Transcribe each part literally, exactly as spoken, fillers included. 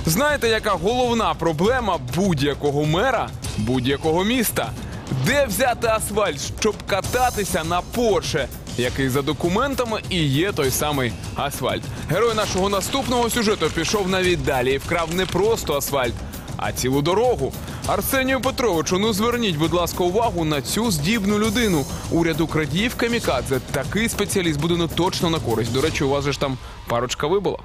Знаєте, яка головна проблема будь-якого мера будь-якого міста? Де взяти асфальт, щоб кататися на Порше, який за документами і є той самий асфальт? Герой нашого наступного сюжету пішов навіть далі і вкрав не просто асфальт, а цілу дорогу. Арсенію Петровичу, ну зверніть, будь ласка, увагу на цю здібну людину. Уряду крадіїв камікадзе. Такий спеціаліст буде ну точно на користь. До речі, у вас же ж там парочка вибула.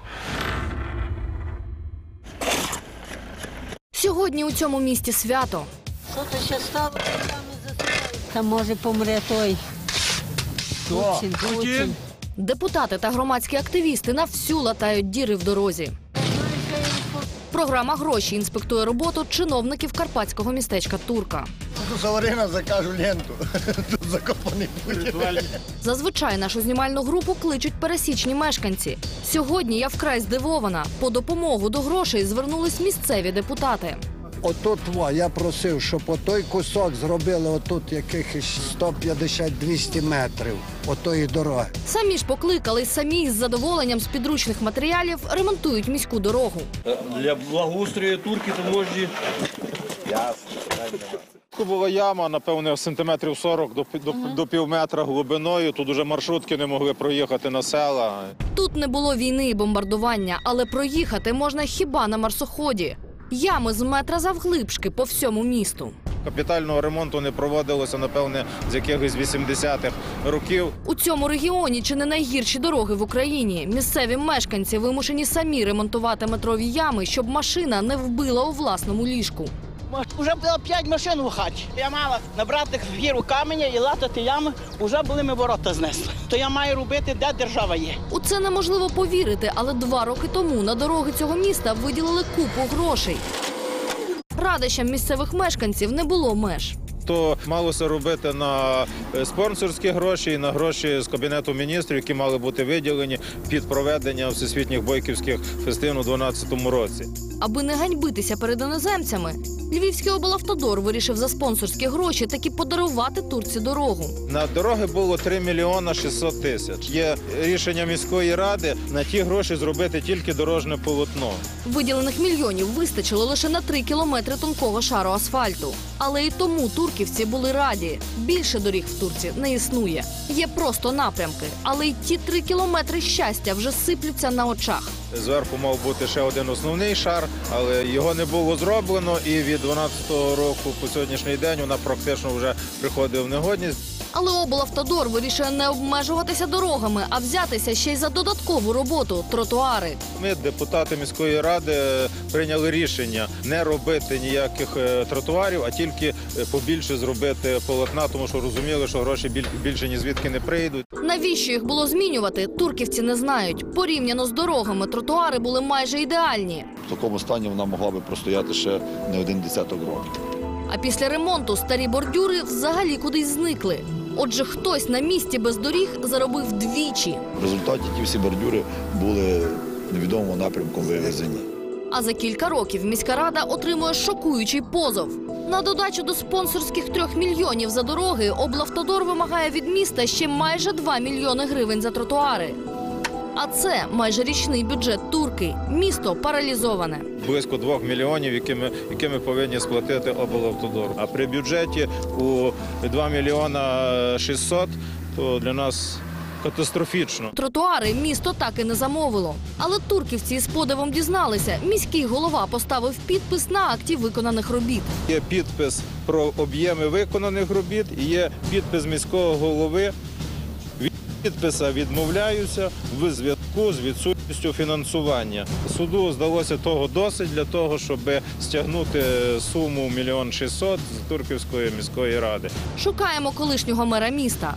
Сьогодні у цьому місті свято. Що то ще стало? Та може помре той. Путін, Путін. Депутати та громадські активісти на всю латають діри в дорозі. Програма «Гроші» інспектує роботу чиновників карпатського містечка Турка. Тут Саварина закажу ленту. Тут закопаний Путін. Зазвичай нашу знімальну групу кличуть пересічні мешканці. Сьогодні я вкрай здивована. По допомогу до грошей звернулись місцеві депутати. Отут, я просив, щоб отой кусок зробили отут якихось сто п'ятдесят - двісті метрів отої дороги. Самі ж покликали, самі з задоволенням з підручних матеріалів ремонтують міську дорогу. Для благоустрою Турки то можна. Тут була яма, напевно, сантиметрів сорок до, до, до пів метра глибиною. Тут уже маршрутки не могли проїхати на села. Тут не було війни і бомбардування, але проїхати можна хіба на марсоході. Ями з метра завглибшки по всьому місту. Капітального ремонту не проводилося, напевне, з якихось вісімдесятих років. У цьому регіоні чи не найгірші дороги в Україні. Місцеві мешканці вимушені самі ремонтувати метрові ями, щоб машина не вбила у власному ліжку. Уже було п'ять машин у хаті. Я мала набрати гіру каменя і латати ями, вже були ми ворота знесли. То я маю робити, де держава є. У це неможливо повірити, але два роки тому на дороги цього міста виділили купу грошей. Радощам місцевих мешканців не було меж. То малося робити на спонсорські гроші і на гроші з Кабінету міністрів, які мали бути виділені під проведення всесвітніх бойківських фестивів у дванадцятому році. Аби не ганьбитися перед іноземцями, Львівський облавтодор вирішив за спонсорські гроші таки подарувати турці дорогу. На дороги було три мільйони шістсот тисяч. Є рішення міської ради на ті гроші зробити тільки дорожне полотно. Виділених мільйонів вистачило лише на три кілометри тонкого шару асфальту. Але і тому турківці були раді. Більше доріг в Турці не існує. Є просто напрямки. Але й ті три кілометри щастя вже сиплються на очах. Зверху мав бути ще один основний шар, але його не було зроблено. І від дванадцятого року по сьогоднішній день вона практично вже приходить в негодність. Але облавтодор вирішує не обмежуватися дорогами, а взятися ще й за додаткову роботу – тротуари. Ми, депутати міської ради, прийняли рішення не робити ніяких тротуарів, а тільки побільше зробити полотна, тому що розуміли, що гроші більше ні звідки не прийдуть. Навіщо їх було змінювати, турківці не знають. Порівняно з дорогами, тротуари були майже ідеальні. В такому стані вона могла би простояти ще не один десяток років. А після ремонту старі бордюри взагалі кудись зникли. Отже, хтось на місці без доріг заробив двічі. В результаті ті всі бордюри були невідомого напрямку вивезені. А за кілька років міська рада отримує шокуючий позов. На додачу до спонсорських трьох мільйонів за дороги облавтодор вимагає від міста ще майже два мільйони гривень за тротуари. А це майже річний бюджет Турки. Місто паралізоване. Близько двох мільйонів, які ми, які ми повинні сплатити облавтодор. А при бюджеті у два мільйона шістсот, то для нас катастрофічно. Тротуари місто так і не замовило. Але турківці з подивом дізналися, міський голова поставив підпис на акті виконаних робіт. Є підпис про об'єми виконаних робіт і є підпис міського голови. Від підписа відмовляються в зв'язку з відсутністю фінансування. Суду здалося того досить для того, щоб стягнути суму мільйон шістсот з Турківської міської ради. Шукаємо колишнього мера міста.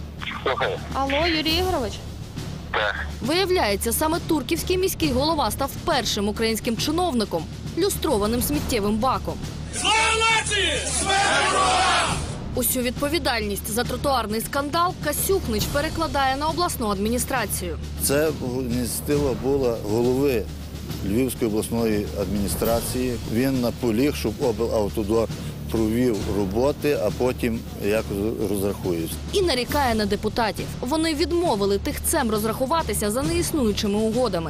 Алло, Юрій Ігорович? Так. Виявляється, саме турківський міський голова став першим українським чиновником, люстрованим сміттєвим баком. Слава нації! Смерть ворогам! Усю відповідальність за тротуарний скандал Касюхнич перекладає на обласну адміністрацію. Це ініціатива була голови Львівської обласної адміністрації. Він наполіг, щоб облавтодор провів роботи, а потім якось розрахується. І нарікає на депутатів. Вони відмовили тихцем розрахуватися за неіснуючими угодами.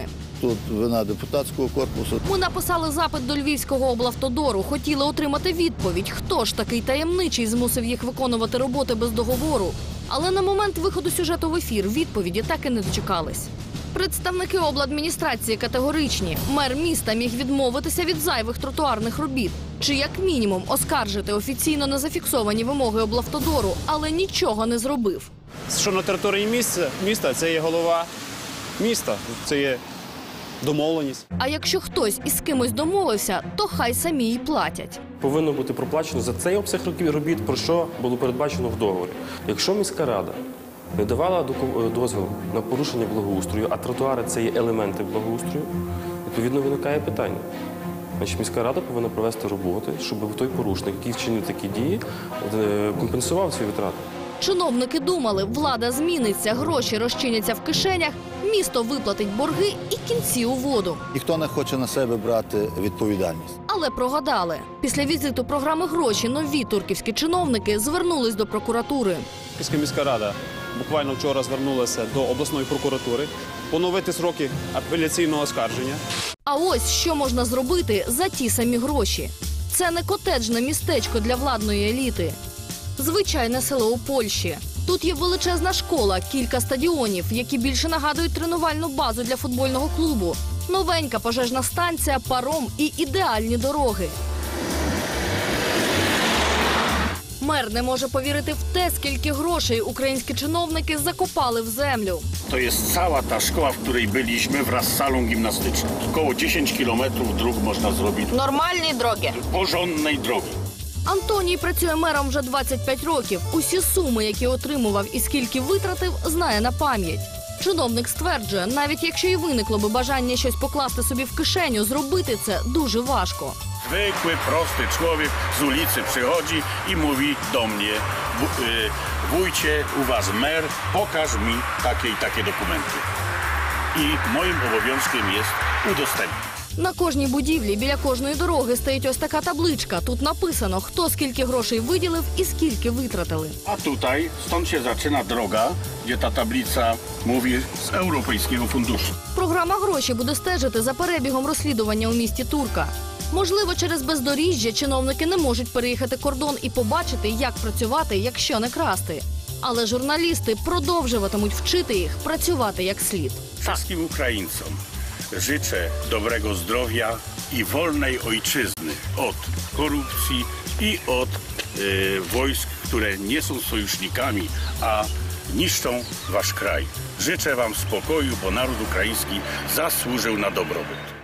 тут вина депутатського корпусу. Ми написали запит до Львівського облавтодору. Хотіли отримати відповідь, хто ж такий таємничий змусив їх виконувати роботи без договору. Але на момент виходу сюжету в ефір відповіді так і не дочекались. Представники обладміністрації категоричні. Мер міста міг відмовитися від зайвих тротуарних робіт. Чи як мінімум оскаржити офіційно незафіксовані вимоги облавтодору, але нічого не зробив. Що на території міста, міста це є голова міста, це є домовленість. А якщо хтось із кимось домовився, то хай самі й платять. Повинно бути проплачено за цей обсяг робіт, про що було передбачено в договорі. Якщо міська рада не давала дозвіл на порушення благоустрою, а тротуари – це є елементи благоустрою, відповідно виникає питання. Значить, міська рада повинна провести роботи, щоб той порушник, який вчинив такі дії, компенсував ці витрати. Чиновники думали, влада зміниться, гроші розчиняться в кишенях, місто виплатить борги і кінці у воду. Ніхто не хоче на себе брати відповідальність. Але прогадали. Після візиту програми «Гроші» нові турківські чиновники звернулись до прокуратури. Київська міська рада буквально вчора звернулася до обласної прокуратури поновити сроки апеляційного оскарження. А ось що можна зробити за ті самі гроші. Це не котеджне містечко для владної еліти. Звичайне село у Польщі. Тут є величезна школа, кілька стадіонів, які більше нагадують тренувальну базу для футбольного клубу. Новенька пожежна станція, паром і ідеальні дороги. Мер не може повірити в те, скільки грошей українські чиновники закопали в землю. To jest cała ta szkoła, w której byliśmy wraz z salą gimnastyczną. Około dziesięć kilometrów dróg można zrobić. Нормальні дороги. Porządnej drogi. Антоній працює мером вже двадцять п'ять років. Усі суми, які отримував і скільки витратив, знає на пам'ять. Чиновник стверджує, навіть якщо і виникло би бажання щось покласти собі в кишеню, зробити це дуже важко. Zwykły, prosty człowiek z ulicy przychodzi i mówi do mnie: wójcie, u was mer, pokaż mi takie i takie dokumenty. I moim obowiązkiem jest udostępnić. На кожній будівлі, біля кожної дороги стоїть ось така табличка. Тут написано, хто скільки грошей виділив і скільки витратили. A tutaj, stąd się zaczyna droga, gdzie ta tablica mówi z Europejskiego Funduszu. Програма «Гроші» буде стежити за перебігом розслідування у місті Турка. Можливо, через бездоріжжя чиновники не можуть переїхати кордон і побачити, як працювати, якщо не красти. Але журналісти продовжуватимуть вчити їх працювати як слід. Wszystkim Ukraińcom życzę dobrego zdrowia i wolnej ojczyzny od korupcji i od e, wojsk, które nie są sojusznikami, a niszczą wasz kraj. Życzę wam spokoju, bo naród ukraiński zasłużył na dobrobyt.